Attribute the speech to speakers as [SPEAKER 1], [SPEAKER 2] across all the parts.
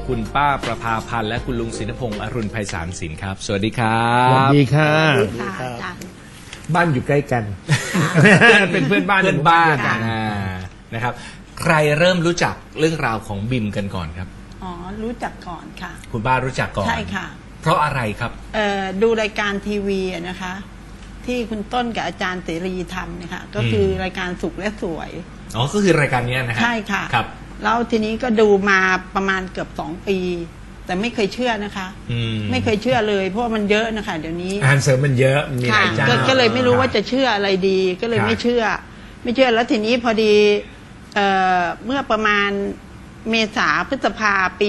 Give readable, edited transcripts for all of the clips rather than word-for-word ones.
[SPEAKER 1] คุณป้าประภาพันธ์และคุณลุงศินพงศ์อรุณไพศาลศิลป์ครับสวัสดีครับ
[SPEAKER 2] สวัสดีค่ะ
[SPEAKER 3] บ้านอยู่ใกล้กัน
[SPEAKER 2] เป็นเพื่อนบ้าน
[SPEAKER 1] เพื่อนบ้านนะครับใครเริ่มรู้จักเรื่องราวของบิมกันก่อนครับ
[SPEAKER 4] อ๋อรู้จักก่อนค่ะ
[SPEAKER 1] คุณป้ารู้จักก่อน
[SPEAKER 4] ใช่ค่ะ
[SPEAKER 1] เพราะอะไรครับ
[SPEAKER 4] ดูรายการทีวีนะคะ ที่คุณต้นกับอาจารย์เสรีทำนะคะก็คือรายการสุขและสวย
[SPEAKER 1] อ๋อก็คือรายการนี้นะฮะ
[SPEAKER 4] ใช่ค่ะ
[SPEAKER 1] ครับ
[SPEAKER 4] แล้วทีนี้ก็ดูมาประมาณเกือบ2 ปี แต่ไม่เคยเชื่อนะคะไม่เคยเชื่อเลยเพราะมันเยอะนะคะเดี๋ยวนี้
[SPEAKER 3] อาหารเสริมมันเยอะมีหลายเจ้า
[SPEAKER 4] ก็เลยไม่รู้ว่าจะเชื่ออะไรดีก็เลยไม่เชื่อแล้วทีนี้พอดีเมื่อประมาณเมษาพฤษภาปี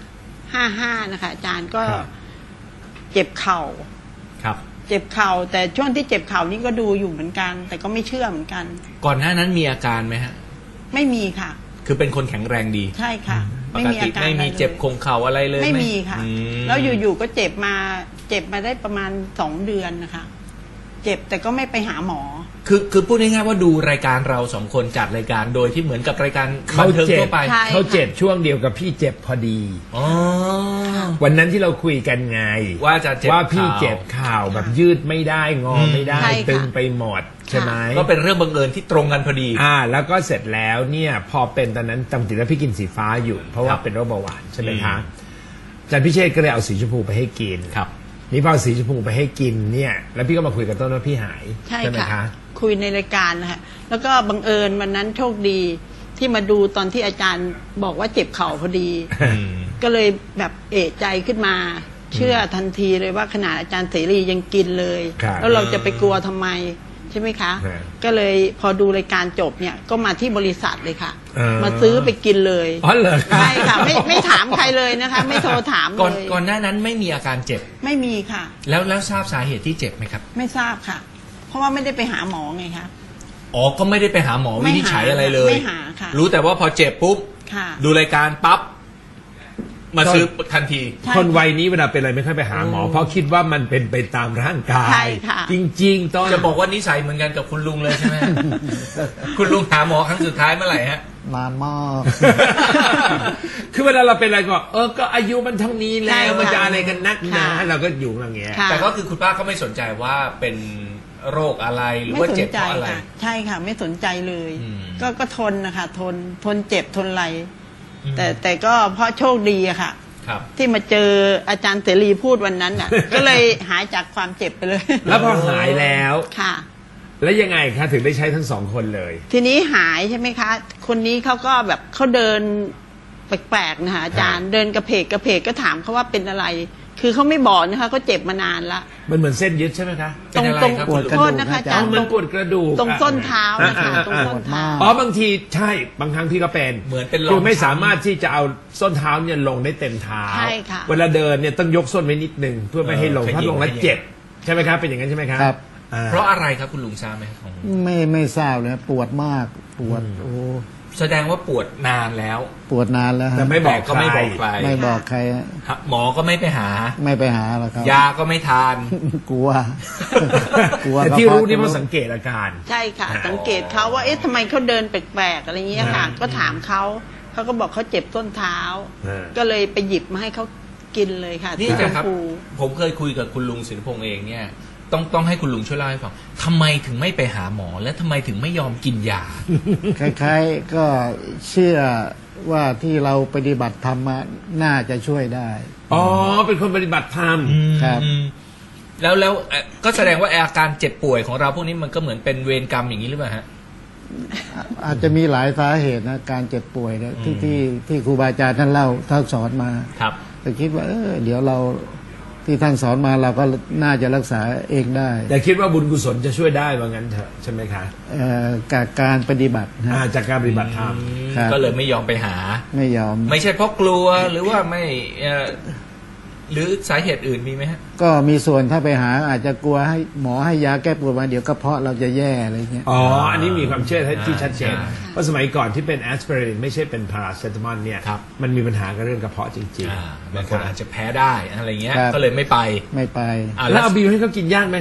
[SPEAKER 4] 55นะคะอาจารย์ก็เจ็บเข่า
[SPEAKER 1] ครับ
[SPEAKER 4] เจ็บเข่าแต่ช่วงที่เจ็บเข่านี่ก็ดูอยู่เหมือนกันแต่ก็ไม่เชื่อเหมือนกัน
[SPEAKER 1] ก่อนหน้านั้นมีอาการไหมฮะ
[SPEAKER 4] ไม่มีค่ะ
[SPEAKER 1] คือเป็นคนแข็งแรงดี
[SPEAKER 4] ใช่ค่ะ
[SPEAKER 1] ไม่มีอาการไม่มีเจ็บคงเข่าอะไรเลย
[SPEAKER 4] ไม่มีค่ะแล้วอยู่ๆก็เจ็บมาได้ประมาณ2 เดือนนะคะเจ็บแต่ก็ไม่ไปหาหมอ
[SPEAKER 1] คือพูดง่ายๆว่าดูรายการเรา2 คนจัดรายการโดยที่เหมือนกับรายการบันเทิงทั่วไป
[SPEAKER 3] เขาเจ็บช่วงเดียวกับพี่เจ็บพอดีวันนั้นที่เราคุยกันไง
[SPEAKER 1] ว่าจะเจ็บ
[SPEAKER 3] ว่าพี่เจ็บเข่าแบบยืดไม่ได้งอไม่ได้ตึงไปหมดใช่ไหม
[SPEAKER 1] ก็เป็นเรื่องบังเอิญที่ตรงกันพอดี
[SPEAKER 3] แล้วก็เสร็จแล้วเนี่ยพอเป็นตอนนั้นจำติดว่าพี่กินสีฟ้าอยู่เพราะว่าเป็นโรคเบาหวานใช่ไหมคะอาจารย์พิเชษก็เลยเอาสีชมพูไปให้กิน
[SPEAKER 1] ครับ
[SPEAKER 3] นี่พอสีชมพูไปให้กินเนี่ยแล้วพี่ก็มาคุยกับต้นว่าพี่หาย
[SPEAKER 4] ใช่ไหมคะคุยในรายการนะคะแล้วก็บังเอิญวันนั้นโชคดีที่มาดูตอนที่อาจารย์บอกว่าเจ็บเข่าพอดีก็เลยแบบเอะใจขึ้นมาเชื่อทันทีเลยว่าขนาดอาจารย์เสรียังกินเลยแล้วเราจะไปกลัวทำไมใช่ไหมคะก็เลยพอดูรายการจบเนี่ยก็มาที่บริษัทเลยค่ะมาซื้อไปกินเลย
[SPEAKER 3] อ๋อเหรอ
[SPEAKER 4] ใช่ค่ะไม่ถามใครเลยนะคะไม่โทรถามเลย
[SPEAKER 1] ก่อนหน้านั้นไม่มีอาการเจ็บ
[SPEAKER 4] ไม่มีค่ะ
[SPEAKER 1] แล้วทราบสาเหตุที่เจ็บไหมครับ
[SPEAKER 4] ไม่ทราบค่ะเพราะว่าไม่ได้ไปหาหมอไงคะ
[SPEAKER 1] อ๋อก็ไม่ได้ไปหาหมอวินิจฉัยอะไรเลย
[SPEAKER 4] ไม่หาค่ะ
[SPEAKER 1] รู้แต่ว่าพอเจ็บปุ๊บดูรายการปั๊บมาซื้อทันที
[SPEAKER 3] คนวัยนี้เวลาเป็นอะไรไม่ค่อยไปหาหมอเพราะคิดว่ามันเป็นไปตามร่างกายจริงๆต้อง
[SPEAKER 1] จะบอกว่านิสัยเหมือนกันกับคุณลุงเลยใช่ไหม คุณลุงหาหมอครั้งสุดท้ายเมื่อไหร่ฮะ
[SPEAKER 2] นานมาก
[SPEAKER 3] คือเวลาเราเป็นอะไรก็อายุมันเท่านี้แล้วมันจะอะไรกันนักหนาเราก็อยู่อย่างเงี้ย
[SPEAKER 1] แต่ก็คือคุณป้าก็ไม่สนใจว่าเป็นโรคอะไรหรือว่าเจ็บเพราะอะไร
[SPEAKER 4] ใช่ค่ะไม่สนใจเลยก็ทนนะคะทนเจ็บทนอะไรแต่ก็เพราะโชคดีอะค่ะที่มาเจออาจารย์เสรีพูดวันนั้นน่ะ ก็เลยหายจากความเจ็บไปเลย
[SPEAKER 3] แล้วพอหายแล้ว
[SPEAKER 4] ค่ะ
[SPEAKER 3] แล้วยังไงคะถึงได้ใช้ทั้ง2 คนเลย
[SPEAKER 4] ทีนี้หายใช่ไหมคะคนนี้เขาก็แบบเขาเดินแปลกๆนะคะอาจารย์เดินกระเพกก็ถามเขาว่าเป็นอะไรคือเขาไม่บอกนะคะเขาเจ็บมานานละ
[SPEAKER 3] มันเหมือนเส้นยึดใช่ไหมคะ
[SPEAKER 4] ตรงปวดกระดูกนะคะอาจารย์
[SPEAKER 3] มันปวดกระดูก
[SPEAKER 4] ตรงส้นเท้านะคะตรงส้นเท้า
[SPEAKER 3] บางทีใช่บางครั้งพี่ก็เป็น
[SPEAKER 1] เหมือนเป็น
[SPEAKER 3] คือไม่สามารถที่จะเอาส้นเท้าเนี่ยลงได้เต็มเท้าเวลาเดินเนี่ยต้องยกส้นไว้นิดนึงเพื่อไม่ให้ลงถ้าลงแล้วเจ็บใช่ไหมครับเป็นอย่างนั้นใช่ไหมครับ
[SPEAKER 2] ครับ
[SPEAKER 1] เพราะอะไรครับคุณลุงทราบไหมของ
[SPEAKER 2] ไม่ทราบเลยปวดมากปวดโอ้
[SPEAKER 1] แสดงว่าปวดนานแล้ว
[SPEAKER 2] ปวดนานแล้ว
[SPEAKER 3] แต่ไม่บอก
[SPEAKER 1] ก็ไม่บอกใคร
[SPEAKER 2] ไม่บอกใคร
[SPEAKER 1] หมอก็ไม่ไปหา
[SPEAKER 2] หรอกครับ
[SPEAKER 1] ยาก็ไม่ทาน
[SPEAKER 2] กลัว
[SPEAKER 3] แต่ที่รู้นี่เพราะสังเกตอาการ
[SPEAKER 4] ใช่ค่ะสังเกตเขาว่าเอ๊ะทำไมเขาเดินแปลกๆอะไรเงี้ยค่ะก็ถามเขาก็บอกเขาเจ็บต้นเท้าก็เลยไปหยิบมาให้เขากินเลยค่ะ
[SPEAKER 1] นี่นะครับผมเคยคุยกับคุณลุงศิลปพงษ์เองเนี่ยต้องให้คุณลุงช่วยเล่าให้ฟังทำไมถึงไม่ไปหาหมอและทำไมถึงไม่ยอมกินยา
[SPEAKER 2] คล้ายๆก็เชื่อว่าที่เราปฏิบัติธรรมน่าจะช่วยได้
[SPEAKER 3] อ๋อเป็นคนปฏิบัติธรรม
[SPEAKER 2] ครับ
[SPEAKER 1] แล้วก็แสดงว่าอาการเจ็บป่วยของเราพวกนี้มันก็เหมือนเป็นเวรกรรมอย่างนี้หรือเปล่าฮะ
[SPEAKER 2] อาจจะมีหลายสาเหตุนะการเจ็บป่วยเนี่ยที่ครูบาอาจารย์ท่านเล่าท่านสอนมา
[SPEAKER 1] ครับ
[SPEAKER 2] แต่คิดว่าเดี๋ยวเราที่ท่านสอนมาเราก็น่าจะรักษาเองได้
[SPEAKER 3] แต่คิดว่าบุญกุศลจะช่วยได้ว่างั้นเถอะใช่ไหมคะ
[SPEAKER 2] การปฏิบัติ
[SPEAKER 3] จากการปฏิบัติธรรม
[SPEAKER 1] ก็เลยไม่ยอมไปหา
[SPEAKER 2] ไม่ยอม
[SPEAKER 1] ไม่ใช่เพราะกลัวหรือว่าไม่หรือสาเหตุอื่นมีไหมฮะ
[SPEAKER 2] ก็มีส่วนถ้าไปหาอาจจะกลัวให้หมอให้ยาแก้ปวดมาเดี๋ยวกระเพาะเราจะแย่อะไรเงี้ย
[SPEAKER 3] อ๋ออันนี้มีความเชื่อที่ชัดเจนเพราะสมัยก่อนที่เป็นแอสไพรินไม่ใช่เป็นพาราเซตามอลเนี่ยมันมีปัญหากับเรื่องกระเพาะจริง
[SPEAKER 1] ๆบางคนอาจจะแพ้ได้อะไรเงี้ยก็เลยไม่ไป
[SPEAKER 3] แล้วเอาบิวให้เขากินยากไหมคะ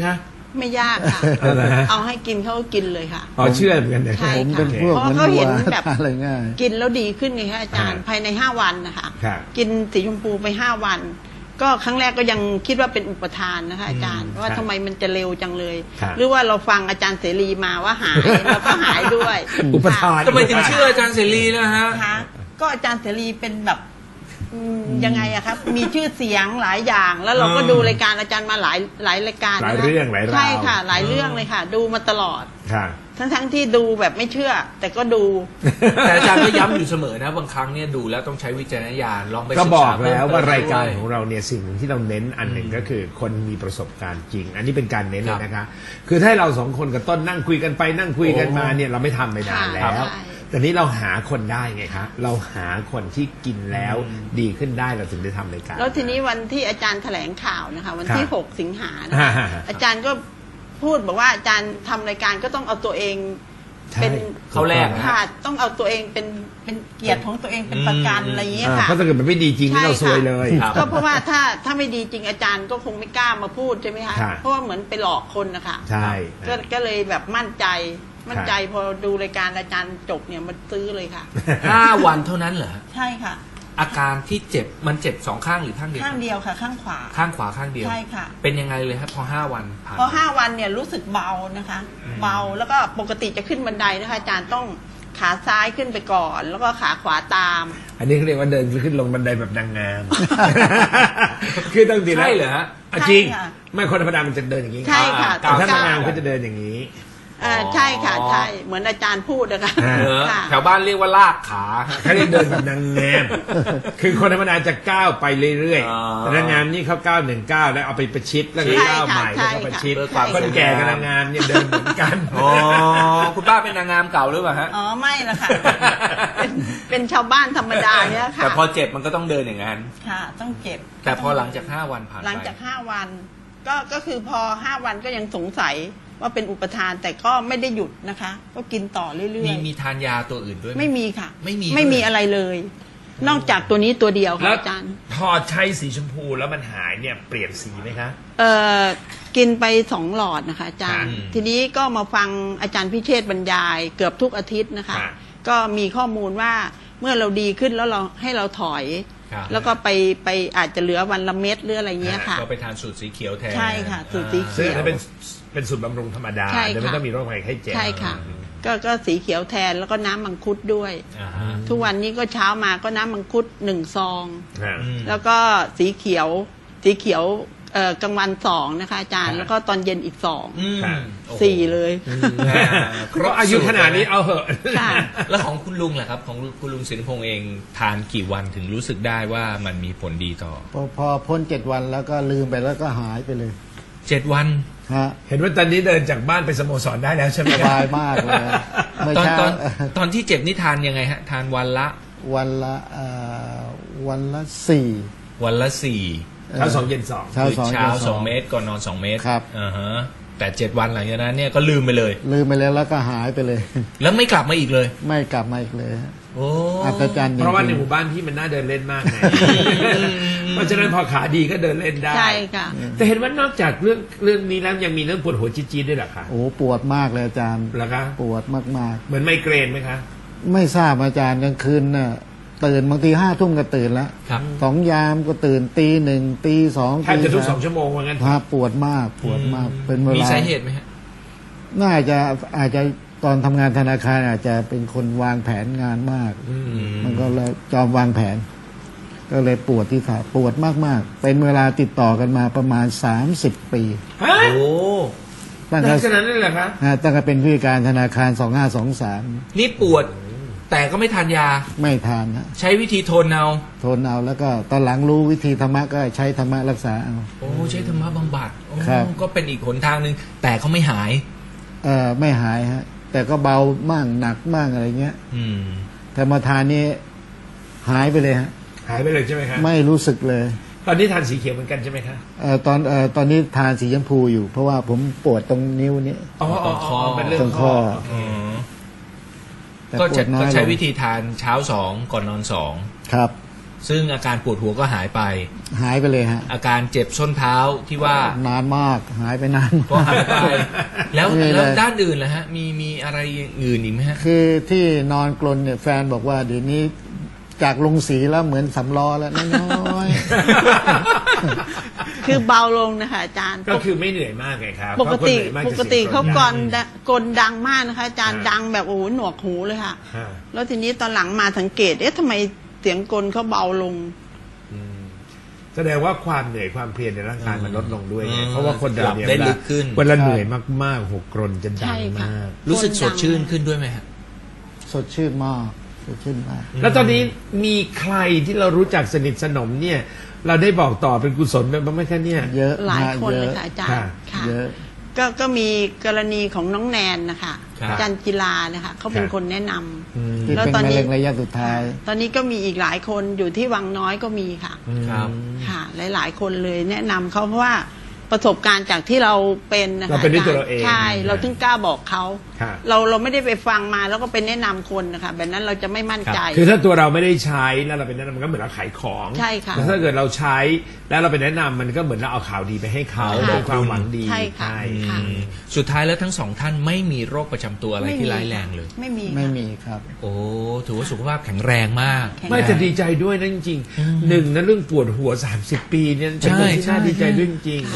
[SPEAKER 4] ไม่ยากค่ะ เอาให้กินเขาก็กินเลยค่ะ
[SPEAKER 3] อ๋อเชื่อเหมือนกันเลย
[SPEAKER 4] ใช่
[SPEAKER 2] ผมเป็นพวก
[SPEAKER 4] เพราะ
[SPEAKER 2] เหมือน
[SPEAKER 4] เขาเห็
[SPEAKER 2] วัวน
[SPEAKER 4] แบบ
[SPEAKER 2] ทานอะไรง่าย
[SPEAKER 4] กินแล้วดีขึ้นไงคะอาจารย์ภายใน5 วันนะคะ
[SPEAKER 3] ครับ
[SPEAKER 4] กินสีชมพูไป5 วัน ก็ครั้งแรกก็ยังคิดว่าเป็นอุปทานนะคะอาจารย์ว่าทำไมมันจะเร็วจังเลย หรือว่าเราฟังอาจารย์เสรีมาว่าหายเราก็หายด้วย
[SPEAKER 3] อุปทาน
[SPEAKER 1] ทำไมถึงเชื่ออาจารย์เสรีนะฮะ
[SPEAKER 4] คะก็อาจารย์เสรีเป็นแบบยังไงอะครับมีชื่อเสียงหลายอย่าง แล้วเราก็ดูรายการอาจารย์มาหลายรายการ
[SPEAKER 3] หลายเรื่องหลายราว
[SPEAKER 4] ใช่ค่ะ หลายเรื่องเลยค่ะ ดูมาตลอด
[SPEAKER 3] ค่ะ
[SPEAKER 4] ทั้งที่ดูแบบไม่เชื่อ แต่ก็ดู
[SPEAKER 1] แต่อาจารย์ก็ย้ำอยู่เสมอนะบางครั้งเนี่ยดูแล้วต้องใช้วิจารณญาณลองไป
[SPEAKER 3] ก็
[SPEAKER 1] ศึ
[SPEAKER 3] บ
[SPEAKER 1] ษ
[SPEAKER 3] อกแล้วว่ารายการ
[SPEAKER 1] ด้ว
[SPEAKER 3] ของเราเนี่ยสิ่งหนึ่งที่เราเน้นอันหนึ่งก็คือคนมีประสบการณ์จริง อันนี้เป็นการเน้นเลยนะคะ คือถ้าเรา2 คนกับต้นนั่งคุยกันไปนั่งคุยกันมาเนี่ยเราไม่ทำไปนานแล้ว
[SPEAKER 4] ใช่
[SPEAKER 3] แต่นี้เราหาคนได้ไงคะเราหาคนที่กินแล้วดีขึ้นได้เราถึงได้ทำรายการ
[SPEAKER 4] แล้วทีนี้วันที่อาจารย์แถลงข่าวนะคะวันที่
[SPEAKER 3] ครับ
[SPEAKER 4] 6 สิงหานะคะ
[SPEAKER 3] ฮะ
[SPEAKER 4] อาจารย์ก็พูดบอกว่าอาจารย์ทำรายการก็ต้องเอาตัวเอง
[SPEAKER 3] ใช่
[SPEAKER 4] เป็น
[SPEAKER 1] เขาแรกนะ
[SPEAKER 4] ค่ะต้องเอาตัวเองเป็นเกียรติของตัวเองเป็นประกันอะไรอย่างเงี้ยค่ะ
[SPEAKER 3] เพราะถ้าเกิดมันไม่ดีจริงนี่เราซวยเลย
[SPEAKER 1] ครับ
[SPEAKER 4] ก็เพราะว่าถ้าไม่ดีจริงอาจารย์ก็คงไม่กล้ามาพูดใช่ไหมคะ
[SPEAKER 3] ค่ะ
[SPEAKER 4] เพราะว่าเหมือนไปหลอกคนนะคะ
[SPEAKER 3] ใช่
[SPEAKER 4] ก็เลยแบบมั่นใจพอดูรายการอาจารย์จบเนี่ยมันซื้อเลยค่ะ
[SPEAKER 1] 5 วันเท่านั้นเหรอ
[SPEAKER 4] ใช่ค่ะ
[SPEAKER 1] อาการที่เจ็บมันเจ็บ2 ข้างหรือข้างเดียว
[SPEAKER 4] ข้างเดียวค่ะ ข้างขวา
[SPEAKER 1] ข้างขวาข้างเดียว
[SPEAKER 4] ใช่ค่ะ
[SPEAKER 1] เป็นยังไงเลยครับพอ5 วันผ่าน
[SPEAKER 4] พอ5 วันเนี่ยรู้สึกเบานะคะ เบาแล้วก็ปกติจะขึ้นบันไดนะคะอาจารย์ต้องขาซ้ายขึ้นไปก่อน แล้วก็ขาขวาตาม
[SPEAKER 3] อันนี้เขาเรียกว่าเดินขึ้นลงบันไดแบบนางงาม คือตั้งแต่
[SPEAKER 1] ใช่เหรอฮะ
[SPEAKER 3] จริง
[SPEAKER 4] ใช่ค่ะ
[SPEAKER 3] ไม่คนธรรมดามันจะเดินอย่างนี้
[SPEAKER 4] ใช่ค่ะ
[SPEAKER 3] แต่ถ้านางงามเขาจะเดินอย่างนี้
[SPEAKER 4] ใช่ค่ะใช่เหมือนอาจารย์พูดนะคะ
[SPEAKER 1] เหรอ
[SPEAKER 4] ค่ะ
[SPEAKER 1] แถวบ้านเรียกว่าลากขา
[SPEAKER 3] เขาเรียกเดินแบบนางงาม คือคนธรรมดาจะก้าวไปเรื่อย
[SPEAKER 1] อ๋อ
[SPEAKER 3] ๆแต่นางงามนี่เขาก้าว1 ก้าวแล้วเอาไปประชิดแล้วก็ก้าวใหม่แล้วก็ประชิด
[SPEAKER 1] เพื่อความ
[SPEAKER 3] คนแก่กับนางงามเนี่ยเดินเหมือนกัน
[SPEAKER 1] อ๋อคุณป้าเป็นนางงามเก่าหรือเปล่าฮะ
[SPEAKER 4] อ๋อไม่ละค่ะ เป็นชาวบ้านธรรมดาเนี่ยค่ะ
[SPEAKER 1] แต่พอเจ็บมันก็ต้องเดินอย่างนั้น
[SPEAKER 4] ค่ะ ต้องเจ็บ
[SPEAKER 1] แต่พอหลังจาก5 วันผ่านไป
[SPEAKER 4] หลังจาก5 วันก็คือพอ5 วันก็ยังสงสัยว่าเป็นอุปทานแต่ก็ไม่ได้หยุดนะคะ ก็กินต่อเรื่อยๆ
[SPEAKER 1] มีทานยาตัวอื่นด้วยห
[SPEAKER 4] ไม่มีค่ะ
[SPEAKER 1] ไม่มี
[SPEAKER 4] ไม่มี
[SPEAKER 1] ด้วย
[SPEAKER 4] อะไรเลย นอกจากตัวนี้ตัวเดียวค่ะ
[SPEAKER 3] แล้ว
[SPEAKER 4] อาจารย์
[SPEAKER 3] พอใช้สีชมพูแล้วมันหายเนี่ยเปลี่ยนสีไหมคะ
[SPEAKER 4] กินไป2 หลอดนะคะอาจารย์
[SPEAKER 1] ค่ะ
[SPEAKER 4] ทีนี้ก็มาฟังอาจารย์พิเชษฐ์บรรยายเกือบทุกอาทิตย์นะคะ
[SPEAKER 3] ค่ะ
[SPEAKER 4] ก็มีข้อมูลว่าเมื่อเราดีขึ้นแล้วเราให้เราถอย
[SPEAKER 1] ครับ
[SPEAKER 4] แล้วก็ไปอาจจะเหลือวันละเม็ดหรืออะไรเงี้ยค่ะ
[SPEAKER 1] ก็ไปทานสูตรสีเขียวแทน
[SPEAKER 4] ใช่ค่ะสูตรสีเขียว
[SPEAKER 3] ซึ่งอันนั้นเป็นสูตรบำรุงธรรมดา
[SPEAKER 4] ใช่ค่ะ
[SPEAKER 3] แต่ไม่ต้องมีโรคภัยไข้เจ็บ
[SPEAKER 4] ใช่ค่ะ ก็สีเขียวแทนแล้วก็น้ำมังคุดด้วย
[SPEAKER 1] อ่าฮะ
[SPEAKER 4] ทุกวันนี้ก็เช้ามาก็น้ำมังคุด1 ซอง
[SPEAKER 3] อ่า
[SPEAKER 1] อืม
[SPEAKER 4] แล้วก็สีเขียวกลางวัน2นะคะอาจารย์
[SPEAKER 3] ค่ะ
[SPEAKER 4] แล้วก็ตอนเย็นอีก
[SPEAKER 1] อืม
[SPEAKER 3] ค่ะ
[SPEAKER 1] โอ้โห
[SPEAKER 4] 4เลย
[SPEAKER 3] เพราะอายุขนาดนี้เอาเหอะ
[SPEAKER 4] ค่ะ
[SPEAKER 1] แล้วของคุณลุงล่ะครับ ของคุณลุงสินพงษ์เองทานกี่วันถึงรู้สึกได้ว่ามันมีผลดีต่อ
[SPEAKER 2] พอพ้น7 วันแล้วก็ลืมไปแล้วก็หายไปเลย
[SPEAKER 1] 7 วัน
[SPEAKER 2] ฮะ
[SPEAKER 3] เห็นว่าตอนนี้เดินจากบ้านไปสโมสรได้แล้วใช่ไหม
[SPEAKER 2] สบายมากเลยเมื่อ
[SPEAKER 1] ตอน
[SPEAKER 2] เช้า
[SPEAKER 1] ตอนที่เจ็บนี่ทานยังไงฮะ ทานวันละ
[SPEAKER 2] วันละวันละ4
[SPEAKER 1] วันละ
[SPEAKER 3] เช้า2 เย็น 2
[SPEAKER 2] เช้า
[SPEAKER 1] คือ
[SPEAKER 2] 2
[SPEAKER 1] เช้า
[SPEAKER 2] ย็น
[SPEAKER 1] 2 เม็ดก่อนนอน2 เม็ด
[SPEAKER 2] ครับ
[SPEAKER 1] อ่าฮะแต่7 วันหลังจากนั้นเนี่ยก็ลืมไปเลย
[SPEAKER 2] ลืมไปแล้วก็หายไปเลย
[SPEAKER 1] แล้วไม่กลับมาอีกเลย
[SPEAKER 2] ไม่กลับมาอีกเลยฮะ
[SPEAKER 1] โอ้
[SPEAKER 2] อัศจรรย์จริงๆ
[SPEAKER 3] เพราะว่าในหมู่บ้านพี่มันน่าเดินเล่นมากไงเพราะฉะนั้นพอขาดีก็เดินเล่นได้
[SPEAKER 4] ใช่ค่ะ
[SPEAKER 3] แต่เห็นว่านอกจากเรื่องนี้แล้วยังมีเรื่องปวดหัวจี๊ดๆด้วยเหรอคะ
[SPEAKER 2] โอ้ปวดมากเลยอาจารย์
[SPEAKER 3] เหรอคะ
[SPEAKER 2] ปวดมาก
[SPEAKER 3] เหมือนไมเกรนไหมคะ
[SPEAKER 2] ๆ ไม่ทราบอาจารย์กลางคืนน่ะตื่นบางที5 ทุ่มก็ตื่นแล้ว
[SPEAKER 1] ครับ
[SPEAKER 2] 2 ยามก็ตื่นตี 1ตี 2
[SPEAKER 3] แทบจะทุก2 ชั่วโมงว่างั้น
[SPEAKER 2] ฮะปวดมากเป็นเวลา
[SPEAKER 1] มีสาเหตุไหมฮะ
[SPEAKER 2] น่าจะอาจจะตอนทำงานธนาคารอาจจะเป็นคนวางแผนงานมาก มันก็เลยจอมวางแผน ก็เลยปวดที่ขาปวดมากๆ เป็นเวลาติดต่อกันมาประมาณ30 ปี
[SPEAKER 3] ฮะ
[SPEAKER 1] โอ้
[SPEAKER 2] ตั้ง
[SPEAKER 3] นานขนาดนั้นเลยเหรอคะ
[SPEAKER 2] ตั้งแต่เป็นผู้จัดการธนาคาร2523
[SPEAKER 1] นี่ปวดแต่ก็ไม่ทานยา
[SPEAKER 2] ไม่ทานฮะ
[SPEAKER 1] ใช้วิธีทนเอา
[SPEAKER 2] ทนเอาแล้วก็ตอนหลังรู้วิธีธรรมะก็ใช้ธรรมะรักษาเอา
[SPEAKER 1] โอ้ใช้ธรรมะบำบัดโอ้
[SPEAKER 2] ครับ
[SPEAKER 1] ก็เป็นอีกหนทางหนึ่งแต่เขาไม่หาย
[SPEAKER 2] ไม่หายฮะแต่ก็เบามั่งหนักมั่งอะไรเงี้ย
[SPEAKER 1] อืม
[SPEAKER 2] แต่มาทานนี้หายไปเลยฮะ
[SPEAKER 3] หายไปเลยใช่ไหมคะ
[SPEAKER 2] ไม่รู้สึกเลย
[SPEAKER 3] ตอนนี้ทานสีเขียวเหมือนกันใช่ไหมคะ
[SPEAKER 2] ตอนนี้ทานสีชมพูอยู่ เพราะว่าผมปวดตรงนิ้วนี้
[SPEAKER 3] อ๋อ
[SPEAKER 1] ตรงคอ
[SPEAKER 3] เป็นเรื่อ
[SPEAKER 2] ตรง ง
[SPEAKER 3] ค
[SPEAKER 2] ค
[SPEAKER 3] อ
[SPEAKER 2] อ
[SPEAKER 1] อืม
[SPEAKER 2] แต่
[SPEAKER 1] ก็
[SPEAKER 2] ปวดน้อย
[SPEAKER 1] ใช้
[SPEAKER 2] ลง
[SPEAKER 1] วิธีทานเช้า2ก่อนนอน2
[SPEAKER 2] ครับ
[SPEAKER 1] ซึ่งอาการปวดหัวก็หายไป
[SPEAKER 2] หายไปเลยฮะ
[SPEAKER 1] อาการเจ็บส้นเท้าที่ว่าน
[SPEAKER 2] านมากหายไปนาน
[SPEAKER 1] ก็หายไป แล้ว
[SPEAKER 2] ไม่เลย
[SPEAKER 1] แล้วด้านอื่นล่ะฮะมีอะไรอื่นอีกไหมฮะ
[SPEAKER 2] คือที่นอนกลนเนี่ยแฟนบอกว่าเดี๋ยวนี้จากลงสีแล้วเหมือนสำล้อแล้วน้อย
[SPEAKER 4] คือเบาลงนะคะอาจารย์
[SPEAKER 3] ก็คือไม่เหนื่อยมากไงครับ
[SPEAKER 4] ปกติ
[SPEAKER 3] เพราะคนเหนื่อยมาก
[SPEAKER 4] ป
[SPEAKER 3] จะ
[SPEAKER 4] กติ
[SPEAKER 3] สียง
[SPEAKER 4] เขา
[SPEAKER 3] ดัง
[SPEAKER 4] กลดังมากนะคะอาจารย์ดังแบบโอ้โหหนวกหูเลยค่ะ
[SPEAKER 3] ฮะ
[SPEAKER 4] แล้วทีนี้ตอนหลังมาสังเกตทำไมเสียงกลเขาเบาลง
[SPEAKER 3] แสดงว่าความเหนื่อยความเพลียในร่างกายมันลดลงด้วยไง
[SPEAKER 1] อืม
[SPEAKER 3] เพราะว่าคนเราเนี่ย
[SPEAKER 1] หลับได้ลึกขึ้น
[SPEAKER 3] เวลาเหนื่อยมากๆหัวกรนจะดั
[SPEAKER 4] ใช่
[SPEAKER 3] ง
[SPEAKER 4] ค่ะ
[SPEAKER 3] มาก
[SPEAKER 1] รู้สึกสดชื่นขึ้นด้วยไหมฮะ
[SPEAKER 2] ๆ สดชื่นมากสดชื่นมาก
[SPEAKER 3] แล้วตอนนี้มีใครที่เรารู้จักสนิทสนมเนี่ย เราได้บอกต่อเป็นกุศลเป็นบ้างไหมคะเนี่ย
[SPEAKER 2] เยอะ
[SPEAKER 4] หลาย
[SPEAKER 2] ฮะ
[SPEAKER 4] คน
[SPEAKER 2] เย
[SPEAKER 4] เลย
[SPEAKER 2] อะ
[SPEAKER 4] ค่ะอาจารย์ค่ะ
[SPEAKER 2] เยอะ
[SPEAKER 4] ก็มีกรณีของน้องแนนนะคะ
[SPEAKER 1] ครับ
[SPEAKER 4] อาจารย์กีฬานะคะเขาเป็นคนแนะนำ
[SPEAKER 2] ที่
[SPEAKER 4] แล้ว
[SPEAKER 2] เป็น
[SPEAKER 4] ตอน
[SPEAKER 2] มะ
[SPEAKER 4] นี้
[SPEAKER 2] เร็งระยะสุดท้าย
[SPEAKER 4] ตอนนี้ก็มีอีกหลายคนอยู่ที่วังน้อยก็มีค่ะ
[SPEAKER 1] ครับ
[SPEAKER 4] ค่ะ หลายๆ คนเลยแนะนำเขาเพราะว่าประสบการณ์จากที่เราเป็นนะคะ
[SPEAKER 3] เราเป็นด้วยตัวเราเอง
[SPEAKER 4] ใช่เราถึงกล้าบอกเขา
[SPEAKER 3] ครับ
[SPEAKER 4] เราไม่ได้ไปฟังมาแล้วก็ไปแนะนำคนนะคะแบบนั้นเราจะไม่มั่นใจ
[SPEAKER 3] คือถ้าตัวเราไม่ได้ใช้แล้วเราเป็นแนะนำมันก็เหมือนเราขายของ
[SPEAKER 4] ใช่ค่ะ
[SPEAKER 3] แต่ถ้าเกิดเราใช้แล้วเราเป็นแนะนำมันก็เหมือนเราเอาข่าวดีไปให้เขา
[SPEAKER 4] ค่ะ
[SPEAKER 3] เป็นความหวังดี
[SPEAKER 4] ใช่ค่ะ ค่ะ
[SPEAKER 1] สุดท้ายแล้วทั้งสองท่านไม่มีโรคประจำตัวอะไร
[SPEAKER 4] ไม่มี
[SPEAKER 1] ที่ร้ายแรงเลย
[SPEAKER 4] ไม่มี
[SPEAKER 2] ไม่
[SPEAKER 4] ค่ะ
[SPEAKER 2] มีครับ
[SPEAKER 1] โอ้ถือว่าสุขภาพแข็งแรงมาก
[SPEAKER 4] แข็ง
[SPEAKER 3] ไม่จะดีใจด้วยนะจริงๆหนึ่งนะเรื่องปวดหัว30 ปีเนี่ยเป็นเรื่องที่
[SPEAKER 1] ใช่
[SPEAKER 3] น่าดีใจด้วยจริง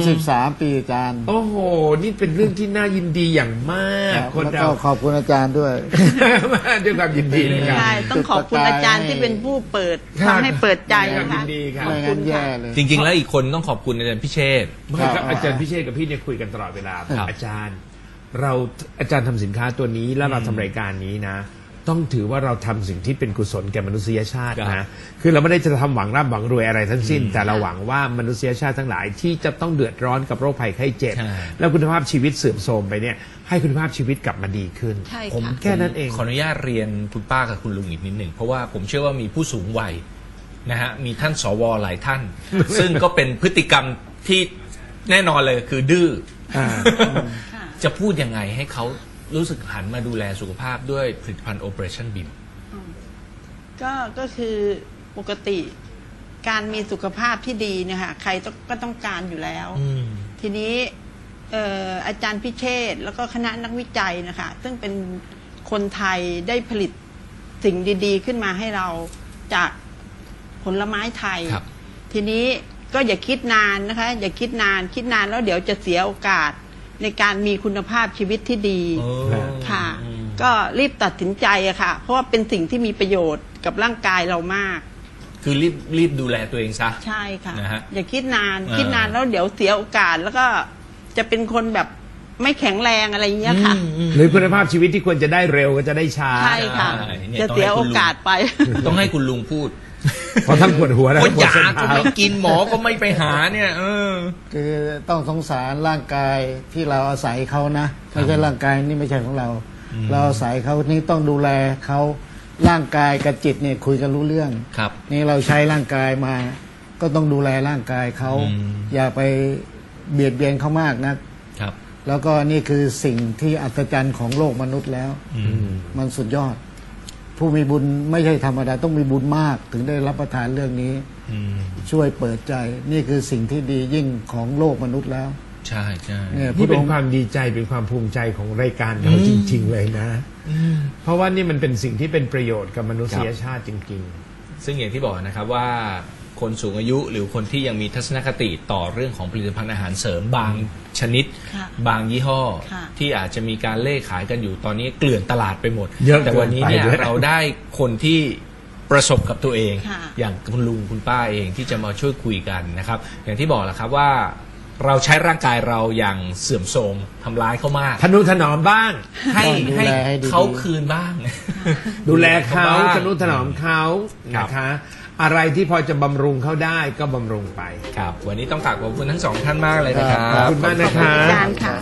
[SPEAKER 2] 33 ปีอาจารย์
[SPEAKER 3] โอ้โห นี่เป็นเรื่องที่น่ายินดีอย่างมาก คน
[SPEAKER 2] แล้ว
[SPEAKER 3] เรา
[SPEAKER 2] ก็ขอบคุณอาจารย์ด้วย
[SPEAKER 3] ด้วยความยินดีนะครับ
[SPEAKER 4] ใช่ต้องขอบคุณอาจารย์ที่เป็นผู้เปิด
[SPEAKER 3] ครับ
[SPEAKER 4] ทำให้เปิดใจ
[SPEAKER 3] ด้วยความ
[SPEAKER 4] นะ
[SPEAKER 3] ยิ
[SPEAKER 4] คะ
[SPEAKER 3] นดีครับ
[SPEAKER 2] ไม่งั้นแย่เลย
[SPEAKER 1] จริง ๆ แล้วอีกคนต้องขอบคุณอาจารย์พิเชษฐ์
[SPEAKER 3] ไม่ครับอาจารย์พิเชษกับพี่เนี่ยคุยกันตลอดเวลา
[SPEAKER 1] ครับ
[SPEAKER 3] อาจารย์อาจารย์ทำสินค้าตัวนี้แล้วเราทำรายการนี้นะ ต้องถือว่าเราทำสิ่งที่เป็นกุศลแก่มนุษยชาติ
[SPEAKER 1] ครั
[SPEAKER 3] นะ
[SPEAKER 1] บ
[SPEAKER 3] คือเราไม่ได้จะทำหวังร่ำหวังรวยอะไรทั้งสิ้น แต่เราหวังว่ามนุษยชาติทั้งหลายที่จะต้องเดือดร้อนกับโรคภัยไข้เจ็บ
[SPEAKER 1] ใช่
[SPEAKER 3] แล้วคุณภาพชีวิตเสื่อมโทรมไปเนี่ยให้คุณภาพชีวิตกลับมาดีขึ้น
[SPEAKER 4] ใช่
[SPEAKER 1] ผม
[SPEAKER 4] ค่ะ
[SPEAKER 3] แค่นั้นเอง
[SPEAKER 1] ขออนุญาตเรียนคุณป้ากับคุณลุงอีกนิดหนึ่งเพราะว่าผมเชื่อว่ามีผู้สูงวัยนะฮะมีท่านสวหลายท่าน ซึ่งก็เป็นพฤติกรรมที่แน่นอนเลยคือดื้ออา
[SPEAKER 4] ค่ะ
[SPEAKER 1] จะพูดยังไงให้เขารู้สึกหันมาดูแลสุขภาพด้วยผลิตภัณฑ์ Operation BIM
[SPEAKER 4] ก็คือปกติการมีสุขภาพที่ดีเนี่ยค่ะใครก็ต้องการอยู่แล้ว ทีนี้อาจารย์พิเชษฐ์แล้วก็คณะนักวิจัยนะคะซึ่งเป็นคนไทยได้ผลิตสิ่งดีๆ ขึ้นมาให้เราจากผลไม้ไทย
[SPEAKER 1] ครับ
[SPEAKER 4] ทีนี้ก็อย่าคิดนานนะคะ อย่าคิดนานแล้วเดี๋ยวจะเสียโอกาสในการมีคุณภาพชีวิตที่ดี ค่ะ ก็รีบตัดสินใจอะค่ะ เพราะว่าเป็นสิ่งที่มีประโยชน์กับร่างกายเรามาก
[SPEAKER 1] คือรีบดูแลตัวเองซะ
[SPEAKER 4] ใช่ค่ะ
[SPEAKER 1] นะฮะ
[SPEAKER 4] อย่าคิดนาน
[SPEAKER 1] อ่า
[SPEAKER 4] คิดนานแล้วเดี๋ยวเสียโอกาสแล้วก็จะเป็นคนแบบไม่แข็งแรงอะไรอย่างเงี้ยค่ะ
[SPEAKER 3] หรือคุณภาพชีวิตที่ควรจะได้เร็วก็จะได้ช้า
[SPEAKER 4] ใช่ค่ะ
[SPEAKER 1] ใช่เนี่ย
[SPEAKER 4] จะเสียโอกาสไป
[SPEAKER 1] ต้องให้คุณลุงพูด
[SPEAKER 3] เพราะทั้งปวดหัวและ
[SPEAKER 1] ก็
[SPEAKER 3] ทั้งปวด
[SPEAKER 1] ยา
[SPEAKER 3] ส้น
[SPEAKER 1] ก็
[SPEAKER 3] เท้า
[SPEAKER 1] ไม่กินหมอก็ไม่ไปหาเนี่ย
[SPEAKER 2] คือต้องสงสารร่างกายที่เราอาศัยเขานะไม่ใช่ร่างกายนี่ไม่ใช่ของเรา เราอาศัยเขานี่ต้องดูแลเขาร่างกายกับจิตเนี่ยคุยกันรู้เรื่อง
[SPEAKER 1] ครับ
[SPEAKER 2] นี่เราใช้ร่างกายมา ก็ต้องดูแลร่างกายเขา อย่าไปเบียดเบียนเขามากนะครับ แล้วก็นี่คือสิ่งที่อัศจรรย์ของโลกมนุษย์แล้ว มันสุดยอด ผู้มีบุญไม่ใช่ธรรมดาต้องมีบุญมาก ถึงได้รับประทานเรื่องนี้ ช่วยเปิดใจ นี่คือสิ่งที่ดียิ่งของโลกมนุษย์แล้ว
[SPEAKER 1] ใช่ใช่
[SPEAKER 2] เนี่ย
[SPEAKER 3] นี่เป็น
[SPEAKER 2] พระองค์
[SPEAKER 3] ความดีใจเป็นความภูมิใจของรายการเราจริง ๆ เลยนะ เพราะว่านี่มันเป็นสิ่งที่เป็นประโยชน์กับมนุษยชาติจริง
[SPEAKER 1] ซึ่งอย่างที่บอกนะครับว่าคนสูงอายุหรือคนที่ยังมีทัศนคติต่อเรื่องของผลิตภัณฑ์อาหารเสริมบางชนิด
[SPEAKER 4] ค่ะ
[SPEAKER 1] บางยี่ห้อ
[SPEAKER 4] ค่ะ
[SPEAKER 1] ที่อาจจะมีการเล่ขายกันอยู่ตอนนี้เกลื่อนตลาดไปหมด
[SPEAKER 3] เยอะ
[SPEAKER 1] แต่วันนี้เนี่ย
[SPEAKER 3] เกินไปด้วย
[SPEAKER 1] เราได้คนที่ประสบกับตัวเอง
[SPEAKER 4] ค่ะ
[SPEAKER 1] อย่างคุณลุงคุณป้าเองที่จะมาช่วยคุยกันนะครับ อย่างที่บอกแหละครับว่าเราใช้ร่างกายเราอย่างเสื่อมโทรมทำร้ายเขามาก
[SPEAKER 3] ๆทนุถนอมบ้าง
[SPEAKER 1] ให้
[SPEAKER 2] ต้องดูแลให้ดีๆ
[SPEAKER 1] เขาคืนบ้าง
[SPEAKER 3] ดูแลเขา
[SPEAKER 1] บ้ง
[SPEAKER 3] ทนุถนอมเขา
[SPEAKER 1] ครับ
[SPEAKER 3] นะคะ อะไรที่พอจะบำรุงเขาได้ก็บำรุงไป
[SPEAKER 1] ครับวันนี้ต้องกราบขอบคุณทั้งสองท่านมากเลยนะครับ
[SPEAKER 3] ขอบคุณมากนะค
[SPEAKER 4] ขอบ
[SPEAKER 3] รั
[SPEAKER 4] คุณอา
[SPEAKER 3] บ
[SPEAKER 4] จารย์ค่ะ